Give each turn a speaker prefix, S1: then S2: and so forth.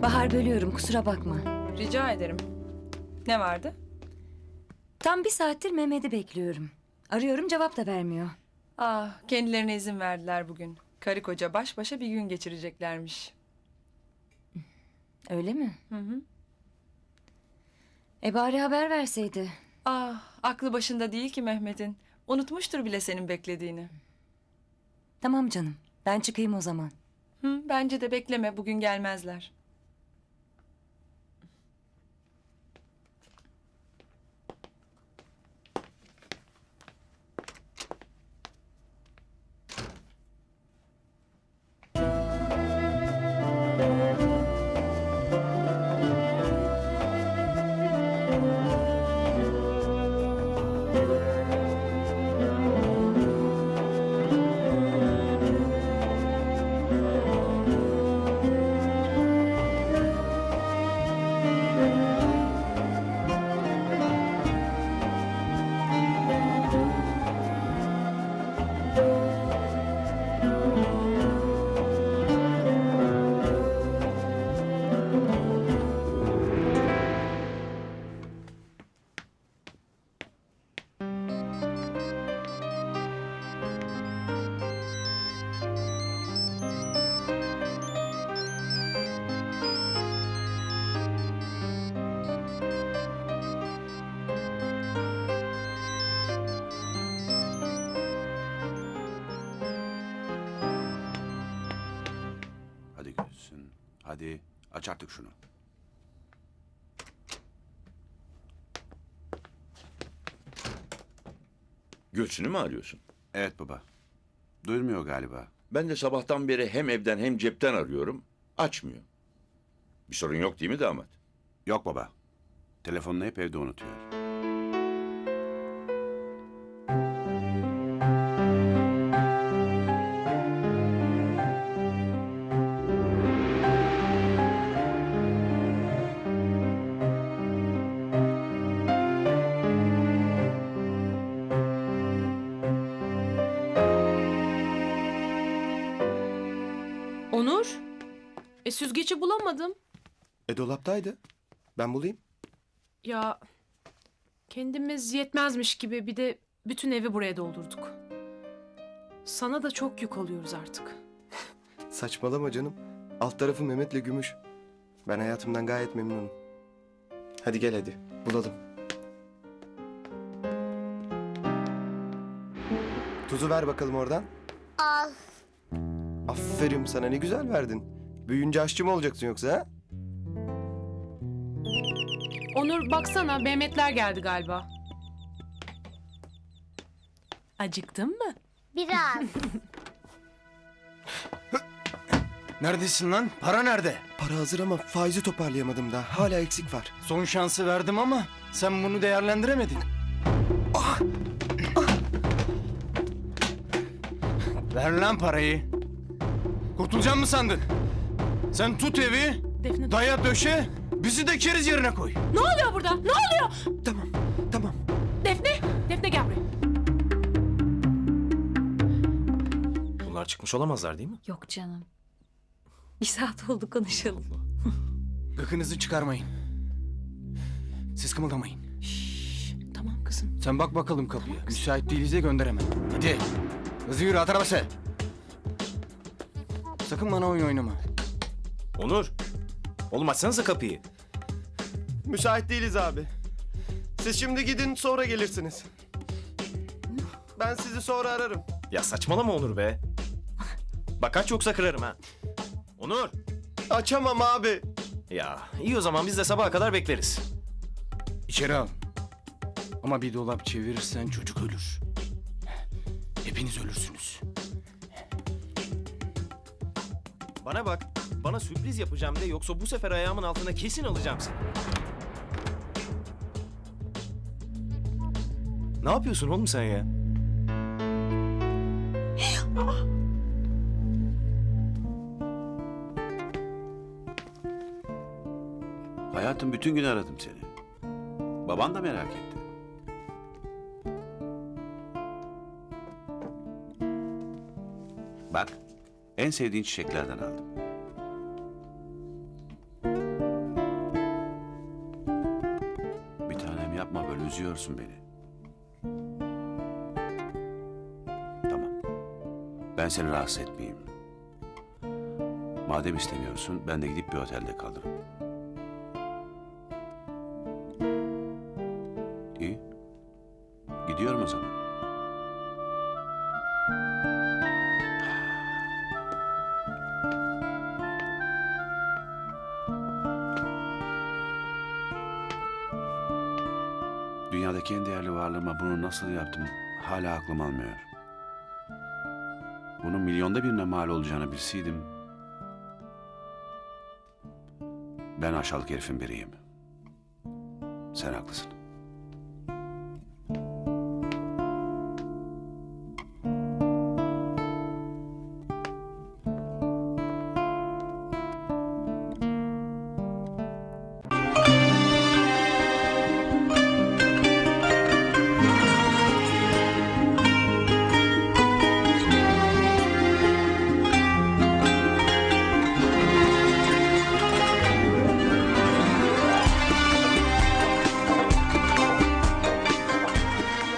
S1: Bahar, bölüyorum, kusura bakma.
S2: Rica ederim. Ne vardı?
S1: Tam bir saattir Mehmet'i bekliyorum. Arıyorum, cevap da vermiyor.
S2: Ah, kendilerine izin verdiler bugün. Karı koca baş başa bir gün geçireceklermiş.
S1: Öyle mi?
S2: Hı hı.
S1: Bari haber verseydi.
S2: Ah, aklı başında değil ki Mehmet'in. Unutmuştur bile senin beklediğini.
S1: Tamam canım, ben çıkayım o zaman.
S2: Hı, bence de bekleme, bugün gelmezler.
S3: Hadi Gülsün. Hadi aç artık şunu.
S4: Gülsün'ü mü arıyorsun?
S3: Evet baba. Duyulmuyor galiba.
S4: Ben de sabahtan beri hem evden hem cepten arıyorum. Açmıyor. Bir sorun yok değil mi damat?
S3: Yok baba. Telefonunu hep evde unutuyor.
S5: Onur? Süzgeci bulamadım.
S6: Dolaptaydı. Ben bulayım.
S5: Ya kendimiz yetmezmiş gibi bir de bütün evi buraya doldurduk. Sana da çok yük oluyoruz artık.
S6: Saçmalama canım. Alt tarafı Mehmet'le Gümüş. Ben hayatımdan gayet memnunum. Hadi gel hadi. Bulalım. Tuzu ver bakalım oradan.
S7: Al.
S6: Aferin sana, ne güzel verdin. Büyüyünce aşçı mı olacaksın yoksa ha?
S5: Onur baksana Mehmetler geldi galiba. Acıktın mı?
S7: Biraz.
S8: Neredesin lan? Para nerede?
S6: Para hazır ama faizi toparlayamadım daha. Hala eksik var.
S8: Son şansı verdim ama sen bunu değerlendiremedin. Ver lan parayı. Kurtulacağım mı sandın? Sen tut evi,
S5: Defne,
S8: daya döşe, bizi de keriz yerine koy.
S5: ne oluyor burada? Ne oluyor?
S6: Tamam, tamam.
S5: Defne, Defne gel buraya.
S9: Bunlar çıkmış olamazlar değil mi?
S1: Yok canım. Bir saat oldu konuşalım.
S8: Gıkınızı çıkarmayın. Siz kımıldamayın.
S5: Tamam kızım.
S8: Sen bak bakalım kapıya. Müsait değiliz de gönderemem. Hadi. Hızlı yürü, at arabası. Sakın bana oyun oynama.
S9: Onur! Oğlum açsanıza kapıyı.
S6: Müsait değiliz abi. Siz şimdi gidin, sonra gelirsiniz. Ben sizi sonra ararım.
S9: Ya saçmalama Onur be. Bak aç yoksa kırarım ha. Onur!
S6: Açamam abi.
S9: Ya iyi o zaman biz de sabaha kadar bekleriz.
S8: İçeri al. Ama bir dolap çevirirsen çocuk ölür. Hepiniz ölürsünüz.
S9: Bana bak. Bana sürpriz yapacağım de yoksa bu sefer ayağımın altına kesin alacağım seni. Ne yapıyorsun oğlum sen ya?
S3: Hayatım, bütün gün aradım seni. Baban da merak etti. Bak, en sevdiğin çiçeklerden aldım. üzüyorsun beni. Tamam. Ben seni rahatsız etmeyeyim. Madem istemiyorsun, ben de gidip bir otelde kalırım. İyi. Gidiyorum o zaman. Dünyadaki en değerli varlığıma bunu nasıl yaptım hala aklım almıyor. Bunun milyonda birine mal olacağını bilseydim... Ben aşağılık herifin biriyim. Sen haklısın.